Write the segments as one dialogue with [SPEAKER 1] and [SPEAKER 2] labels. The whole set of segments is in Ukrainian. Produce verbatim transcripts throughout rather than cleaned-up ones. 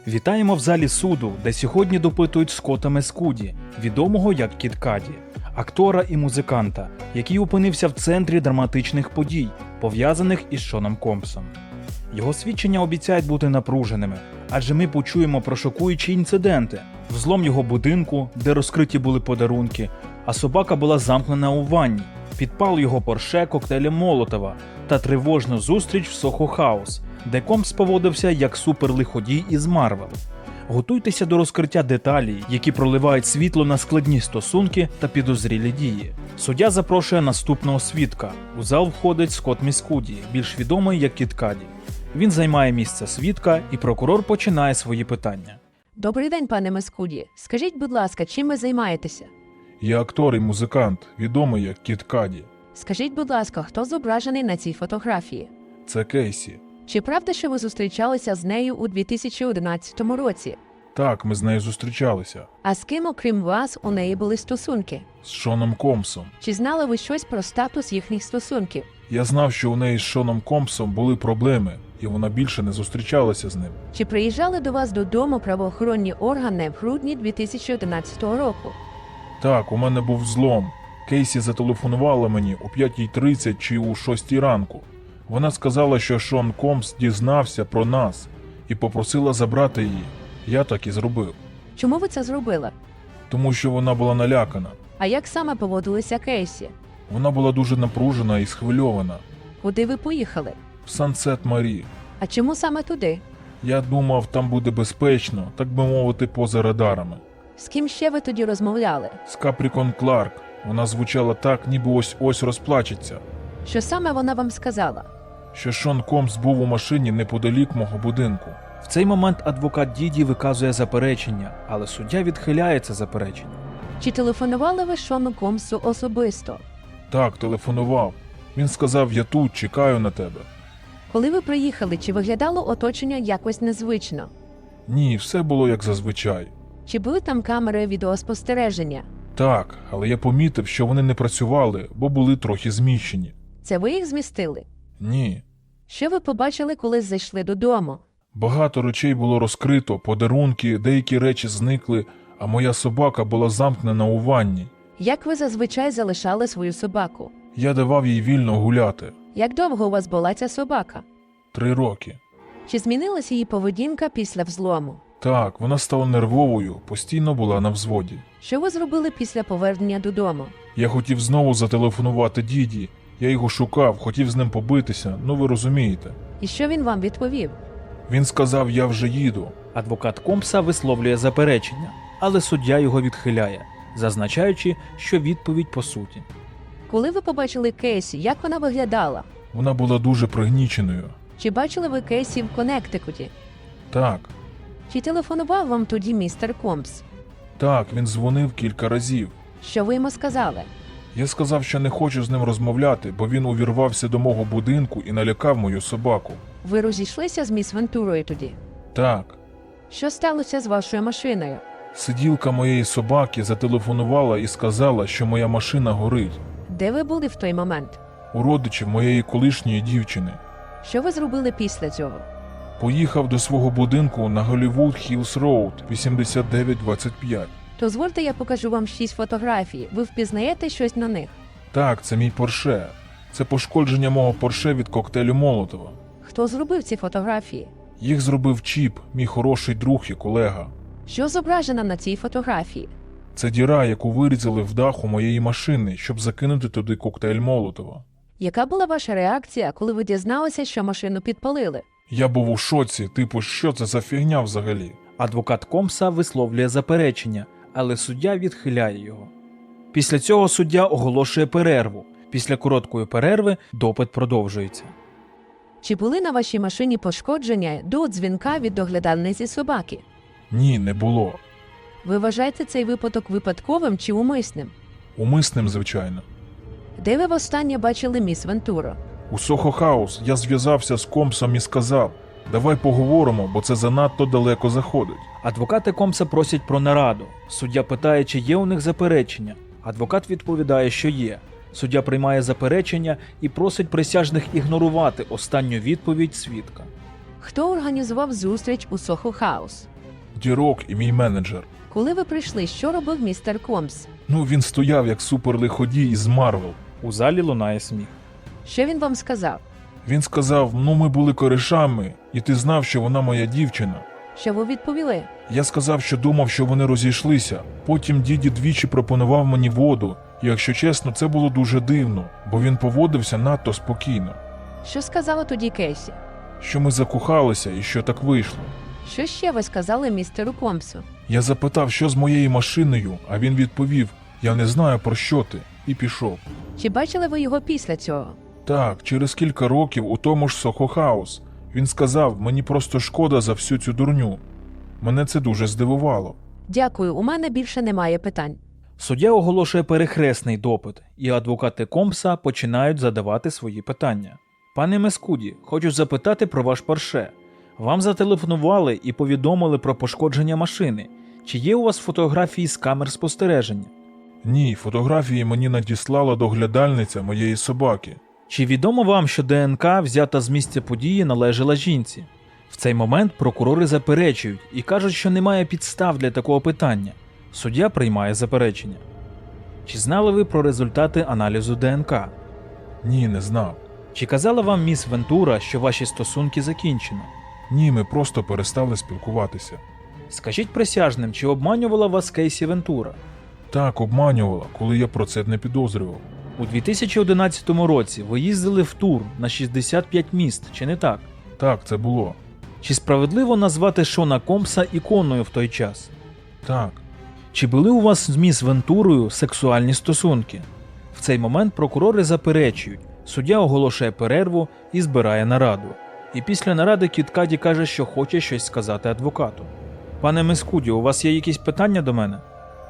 [SPEAKER 1] Вітаємо в залі суду, де сьогодні допитують Скотта Мескуді, відомого як Кід Каді, актора і музиканта, який опинився в центрі драматичних подій, пов'язаних із Шоном Компсом. Його свідчення обіцяють бути напруженими, адже ми почуємо про шокуючі інциденти: взлом його будинку, де розкриті були подарунки, а собака була замкнена у ванні, підпал його порше коктейлем Молотова та тривожну зустріч в Сохо Хаус, де Компс поводився як суперлиходій із Марвел. Готуйтеся до розкриття деталей, які проливають світло на складні стосунки та підозрілі дії. Суддя запрошує наступного свідка. У зал входить Скотт Мескуді, більш відомий як Кід Каді. Він займає місце свідка, і прокурор починає свої питання.
[SPEAKER 2] Добрий день, пане Мескуді. Скажіть, будь ласка, чим ви займаєтеся?
[SPEAKER 3] Я актор і музикант, відомий як Кід Каді.
[SPEAKER 2] Скажіть, будь ласка, хто зображений на цій фотографії?
[SPEAKER 3] Це Кейсі.
[SPEAKER 2] Чи правда, що ви зустрічалися з нею у дві тисячі одинадцятому році?
[SPEAKER 3] Так, ми з нею зустрічалися.
[SPEAKER 2] А з ким, окрім вас, у неї були стосунки?
[SPEAKER 3] З Шоном Компсом.
[SPEAKER 2] Чи знали ви щось про статус їхніх стосунків?
[SPEAKER 3] Я знав, що у неї з Шоном Компсом були проблеми, і вона більше не зустрічалася з ним.
[SPEAKER 2] Чи приїжджали до вас додому правоохоронні органи в грудні дві тисячі одинадцятого року?
[SPEAKER 3] Так, у мене був злом. Кейсі зателефонувала мені о п'ятій тридцять чи у шостій ранку. Вона сказала, що Шон Компс дізнався про нас і попросила забрати її. Я так і зробив.
[SPEAKER 2] Чому ви це зробили?
[SPEAKER 3] Тому що вона була налякана.
[SPEAKER 2] А як саме поводилися Кейсі?
[SPEAKER 3] Вона була дуже напружена і схвильована.
[SPEAKER 2] Куди ви поїхали?
[SPEAKER 3] В Сансет Марі.
[SPEAKER 2] А чому саме туди?
[SPEAKER 3] Я думав, там буде безпечно, так би мовити, поза радарами.
[SPEAKER 2] З ким ще ви тоді розмовляли?
[SPEAKER 3] З Капрікон Кларк. Вона звучала так, ніби ось-ось розплачеться.
[SPEAKER 2] Що саме вона вам сказала?
[SPEAKER 3] Що Шон Компс був у машині неподалік мого будинку.
[SPEAKER 1] В цей момент адвокат Діді виказує заперечення, але суддя відхиляє це заперечення.
[SPEAKER 2] Чи телефонували ви Шону Компсу особисто?
[SPEAKER 3] Так, телефонував. Він сказав, я тут, чекаю на тебе.
[SPEAKER 2] Коли ви приїхали, чи виглядало оточення якось незвично?
[SPEAKER 3] Ні, все було як зазвичай.
[SPEAKER 2] Чи були там камери відеоспостереження?
[SPEAKER 3] Так, але я помітив, що вони не працювали, бо були трохи зміщені.
[SPEAKER 2] Це ви їх змістили?
[SPEAKER 3] Ні.
[SPEAKER 2] Що ви побачили, коли зайшли додому?
[SPEAKER 3] Багато речей було розкрито, подарунки, деякі речі зникли, а моя собака була замкнена у ванні.
[SPEAKER 2] Як ви зазвичай залишали свою собаку?
[SPEAKER 3] Я давав їй вільно гуляти.
[SPEAKER 2] Як довго у вас була ця собака?
[SPEAKER 3] Три роки.
[SPEAKER 2] Чи змінилася її поведінка після взлому?
[SPEAKER 3] Так, вона стала нервовою, постійно була на взводі.
[SPEAKER 2] Що ви зробили після повернення додому?
[SPEAKER 3] Я хотів знову зателефонувати Діді. Я його шукав, хотів з ним побитися, ну ви розумієте.
[SPEAKER 2] І що він вам відповів?
[SPEAKER 3] Він сказав, я вже їду.
[SPEAKER 1] Адвокат Компса висловлює заперечення, але суддя його відхиляє, зазначаючи, що відповідь по суті.
[SPEAKER 2] Коли ви побачили Кейсі, як вона виглядала?
[SPEAKER 3] Вона була дуже пригніченою.
[SPEAKER 2] Чи бачили ви Кейсі в Коннектикуті?
[SPEAKER 3] Так,
[SPEAKER 2] Чи телефонував вам тоді містер Компс?
[SPEAKER 3] так, він дзвонив кілька разів.
[SPEAKER 2] Що ви йому сказали?
[SPEAKER 3] Я сказав, що не хочу з ним розмовляти, бо він увірвався до мого будинку і налякав мою собаку.
[SPEAKER 2] Ви розійшлися з міс Вентурою тоді?
[SPEAKER 3] Так.
[SPEAKER 2] Що сталося з вашою машиною?
[SPEAKER 3] Сиділка моєї собаки зателефонувала і сказала, що моя машина горить.
[SPEAKER 2] Де ви були в той момент?
[SPEAKER 3] У родичів моєї колишньої дівчини.
[SPEAKER 2] Що ви зробили після цього?
[SPEAKER 3] Поїхав до свого будинку на Голлівуд Хіллс Роуд, вісімдесят дев'ять двадцять п'ять.
[SPEAKER 2] Дозвольте, я покажу вам шість фотографій. Ви впізнаєте щось на них?
[SPEAKER 3] Так, це мій Порше. Це пошкодження мого Порше від коктейлю Молотова.
[SPEAKER 2] Хто зробив ці фотографії?
[SPEAKER 3] Їх зробив Чіп, мій хороший друг і колега.
[SPEAKER 2] Що зображено на цій фотографії?
[SPEAKER 3] Це діра, яку вирізали в даху моєї машини, щоб закинути туди коктейль Молотова.
[SPEAKER 2] Яка була ваша реакція, коли ви дізналися, що машину підпалили?
[SPEAKER 3] Я був у шоці, типу, що це за фігня взагалі?
[SPEAKER 1] Адвокат Компса висловлює заперечення, але суддя відхиляє його. Після цього суддя оголошує перерву. Після короткої перерви допит продовжується.
[SPEAKER 2] Чи були на вашій машині пошкодження до дзвінка від доглядальниці собаки?
[SPEAKER 3] Ні, не було.
[SPEAKER 2] Ви вважаєте цей випадок випадковим чи умисним?
[SPEAKER 3] Умисним, звичайно.
[SPEAKER 2] Де ви востаннє бачили міс Вентуру?
[SPEAKER 3] У Сохо Хаус я зв'язався з Компсом і сказав, давай поговоримо, бо це занадто далеко заходить.
[SPEAKER 1] Адвокати Компса просять про нараду. Суддя питає, чи є у них заперечення. Адвокат відповідає, що є. Суддя приймає заперечення і просить присяжних ігнорувати останню відповідь свідка.
[SPEAKER 2] Хто організував зустріч у Сохо Хаус?
[SPEAKER 3] Дірок і мій менеджер.
[SPEAKER 2] Коли ви прийшли, що робив містер Комс?
[SPEAKER 3] Ну, він стояв як суперлиходій із Марвел.
[SPEAKER 1] У залі лунає сміх.
[SPEAKER 2] Що він вам сказав?
[SPEAKER 3] Він сказав, ну ми були коришами, і ти знав, що вона моя дівчина.
[SPEAKER 2] Що ви відповіли?
[SPEAKER 3] Я сказав, що думав, що вони розійшлися. Потім діді двічі пропонував мені воду, і якщо чесно, це було дуже дивно, бо він поводився надто спокійно.
[SPEAKER 2] Що сказала тоді Кейсі?
[SPEAKER 3] Що ми закохалися і що так вийшло.
[SPEAKER 2] Що ще ви сказали містеру Комсу?
[SPEAKER 3] Я запитав, що з моєю машиною, а він відповів, я не знаю про що ти, і пішов.
[SPEAKER 2] Чи бачили ви його після цього?
[SPEAKER 3] Так, через кілька років у тому ж Сохо Хаус. Він сказав, мені просто шкода за всю цю дурню. Мене це дуже здивувало.
[SPEAKER 2] Дякую, у мене більше немає питань.
[SPEAKER 1] Суддя оголошує перехресний допит, і адвокати Комса починають задавати свої питання. Пане Мескуді, хочу запитати про ваш Порше. Вам зателефонували і повідомили про пошкодження машини. Чи є у вас фотографії з камер спостереження?
[SPEAKER 3] Ні, фотографії мені надіслала доглядальниця моєї собаки.
[SPEAKER 1] Чи відомо вам, що ДНК, взята з місця події, належала жінці? В цей момент прокурори заперечують і кажуть, що немає підстав для такого питання. Суддя приймає заперечення. Чи знали ви про результати аналізу ДНК?
[SPEAKER 3] Ні, не знав.
[SPEAKER 1] Чи казала вам міс Вентура, що ваші стосунки закінчено?
[SPEAKER 3] Ні, ми просто перестали спілкуватися.
[SPEAKER 1] Скажіть присяжним, чи обманювала вас Кейсі Вентура?
[SPEAKER 3] Так, обманювала, коли я про це не підозрював.
[SPEAKER 1] У дві тисячі одинадцятому році ви їздили в тур на шістдесят п'ять міст, чи не так?
[SPEAKER 3] Так, це було.
[SPEAKER 1] Чи справедливо назвати Шона Комса іконою в той час?
[SPEAKER 3] Так.
[SPEAKER 1] Чи були у вас з міс Вентурою сексуальні стосунки? В цей момент прокурори заперечують, суддя оголошує перерву і збирає нараду. І після наради Кід Каді каже, що хоче щось сказати адвокату. Пане Мескуді, у вас є якісь питання до мене?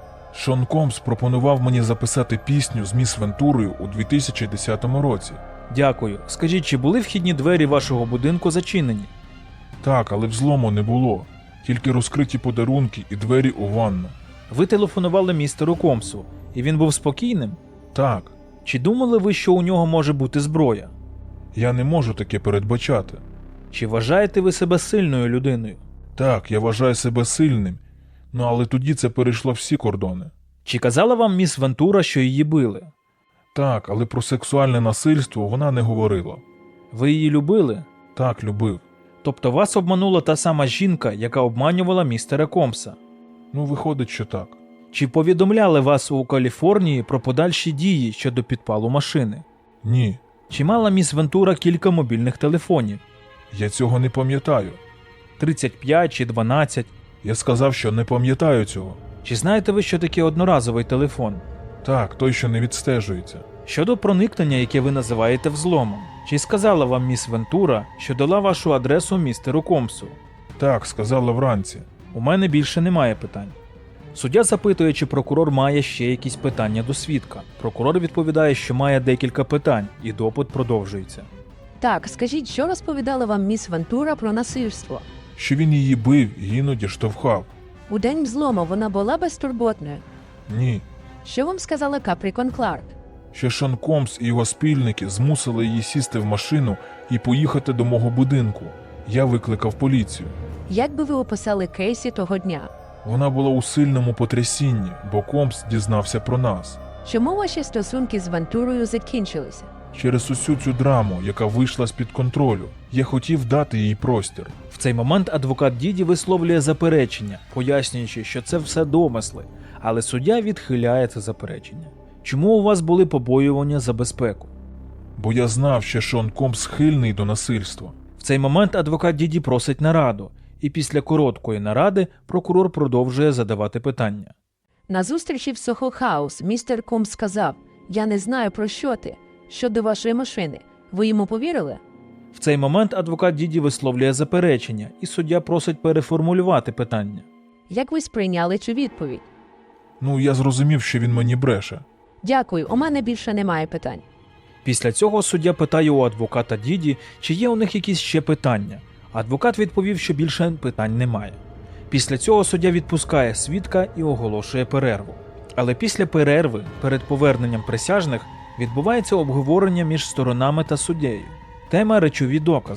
[SPEAKER 3] Шон Комс пропонував мені записати пісню з міс Вентурою у дві тисячі десятому році.
[SPEAKER 1] Дякую. Скажіть, чи були вхідні двері вашого будинку зачинені?
[SPEAKER 3] Так, але взлому не було. Тільки розкриті подарунки і двері у ванну.
[SPEAKER 1] Ви телефонували містеру Комсу, і він був спокійним?
[SPEAKER 3] Так.
[SPEAKER 1] Чи думали ви, що у нього може бути зброя?
[SPEAKER 3] Я не можу таке передбачати.
[SPEAKER 1] Чи вважаєте ви себе сильною людиною?
[SPEAKER 3] Так, я вважаю себе сильним, ну але тоді це перейшло всі кордони.
[SPEAKER 1] Чи казала вам міс Вентура, що її били?
[SPEAKER 3] Так, але про сексуальне насильство вона не говорила.
[SPEAKER 1] Ви її любили?
[SPEAKER 3] Так, любив.
[SPEAKER 1] Тобто вас обманула та сама жінка, яка обманювала містера Комса?
[SPEAKER 3] Ну, виходить, що так.
[SPEAKER 1] Чи повідомляли вас у Каліфорнії про подальші дії щодо підпалу машини?
[SPEAKER 3] Ні,
[SPEAKER 1] Чи мала міс Вентура кілька мобільних телефонів?
[SPEAKER 3] я цього не пам'ятаю.
[SPEAKER 1] тридцять п'ять чи дванадцять?
[SPEAKER 3] Я сказав, що не пам'ятаю цього.
[SPEAKER 1] Чи знаєте ви, що таке одноразовий телефон?
[SPEAKER 3] Так, той, що не відстежується.
[SPEAKER 1] Щодо проникнення, яке ви називаєте взломом, чи сказала вам міс Вентура, що дала вашу адресу містеру Комсу?
[SPEAKER 3] Так, сказала вранці.
[SPEAKER 1] У мене більше немає питань. Суддя запитує, чи прокурор має ще якісь питання до свідка. Прокурор відповідає, що має декілька питань, і допит продовжується.
[SPEAKER 2] Так, скажіть, що розповідала вам міс Вентура про насильство?
[SPEAKER 3] Що він її бив і іноді штовхав.
[SPEAKER 2] У день взлому вона була безтурботною.
[SPEAKER 3] Ні.
[SPEAKER 2] Що вам сказала Капрікон Кларк?
[SPEAKER 3] Що Шон Комс і його спільники змусили її сісти в машину і поїхати до мого будинку. Я викликав поліцію.
[SPEAKER 2] Як би ви описали Кейсі того дня?
[SPEAKER 3] Вона була у сильному потрясінні, бо Комс дізнався про нас.
[SPEAKER 2] Чому ваші стосунки з Вентурою закінчилися?
[SPEAKER 3] Через усю цю драму, яка вийшла з-під контролю, я хотів дати їй простір.
[SPEAKER 1] В цей момент адвокат Діді висловлює заперечення, пояснюючи, що це все домисли, але суддя відхиляє це заперечення. Чому у вас були побоювання за безпеку?
[SPEAKER 3] Бо я знав, що Шон Комс схильний до насильства.
[SPEAKER 1] В цей момент адвокат Діді просить нараду, і після короткої наради прокурор продовжує задавати питання.
[SPEAKER 2] На зустрічі в Сохо Хаус містер Комс сказав: «Я не знаю, про що ти. Щодо вашої машини. Ви йому повірили?»
[SPEAKER 1] В цей момент адвокат Діді висловлює заперечення, і суддя просить переформулювати питання.
[SPEAKER 2] Як ви сприйняли цю відповідь?
[SPEAKER 3] Ну, я зрозумів, що він мені бреше.
[SPEAKER 2] Дякую, у мене більше немає питань.
[SPEAKER 1] Після цього суддя питає у адвоката Діді, чи є у них якісь ще питання. Адвокат відповів, що більше питань немає. Після цього суддя відпускає свідка і оголошує перерву. Але після перерви, перед поверненням присяжних, відбувається обговорення між сторонами та суддею. Тема – речові докази.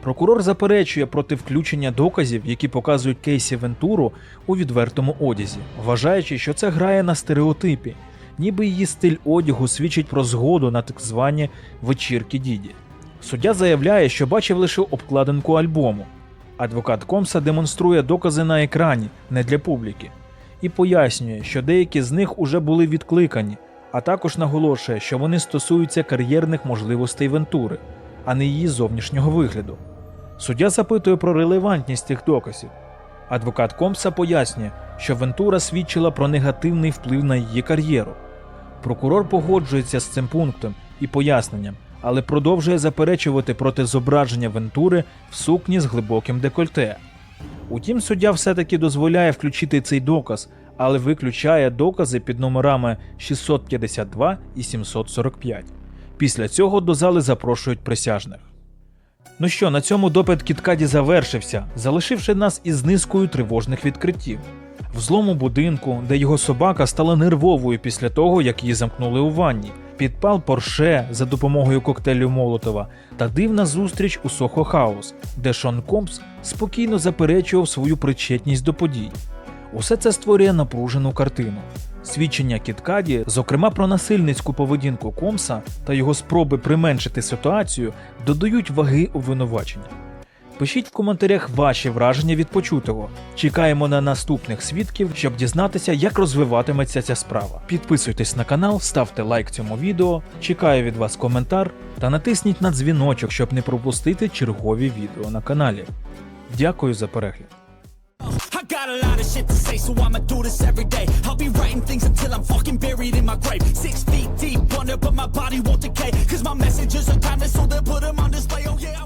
[SPEAKER 1] Прокурор заперечує проти включення доказів, які показують Кейсі Вентуру у відвертому одязі, вважаючи, що це грає на стереотипі, ніби її стиль одягу свідчить про згоду на так звані вечірки Діді. Суддя заявляє, що бачив лише обкладинку альбому. Адвокат Комса демонструє докази на екрані, не для публіки, і пояснює, що деякі з них уже були відкликані, а також наголошує, що вони стосуються кар'єрних можливостей Вентури, а не її зовнішнього вигляду. Суддя запитує про релевантність цих доказів. Адвокат Комса пояснює, що Вентура свідчила про негативний вплив на її кар'єру. Прокурор погоджується з цим пунктом і поясненням, але продовжує заперечувати проти зображення Вентури в сукні з глибоким декольте. Утім, суддя все-таки дозволяє включити цей доказ, але виключає докази під номерами шістсот п'ятдесят два і сімсот сорок п'ять. Після цього до зали запрошують присяжних. Ну що, на цьому допит Кід Каді завершився, залишивши нас із низкою тривожних відкриттів. В злому будинку, де його собака стала нервовою після того, як її замкнули у ванні, підпал Порше за допомогою коктейлю Молотова та дивна зустріч у Сохо Хаус, де Шон Комс спокійно заперечував свою причетність до подій. Усе це створює напружену картину. Свідчення Кід Каді, зокрема про насильницьку поведінку Комса та його спроби применшити ситуацію, додають ваги обвинувачення. Пишіть в коментарях ваші враження від почутого. Чекаємо на наступних свідків, щоб дізнатися, як розвиватиметься ця справа. Підписуйтесь на канал, ставте лайк цьому відео, чекаю від вас коментар та натисніть на дзвіночок, щоб не пропустити чергові відео на каналі. Дякую за перегляд.
[SPEAKER 4] I got a lot of shit to say, so I'ma do this every day. I'll be writing things until I'm fucking buried in my grave. Six feet deep under, but my body won't decay. Cause my messages are timeless, so they'll put them on display, oh yeah.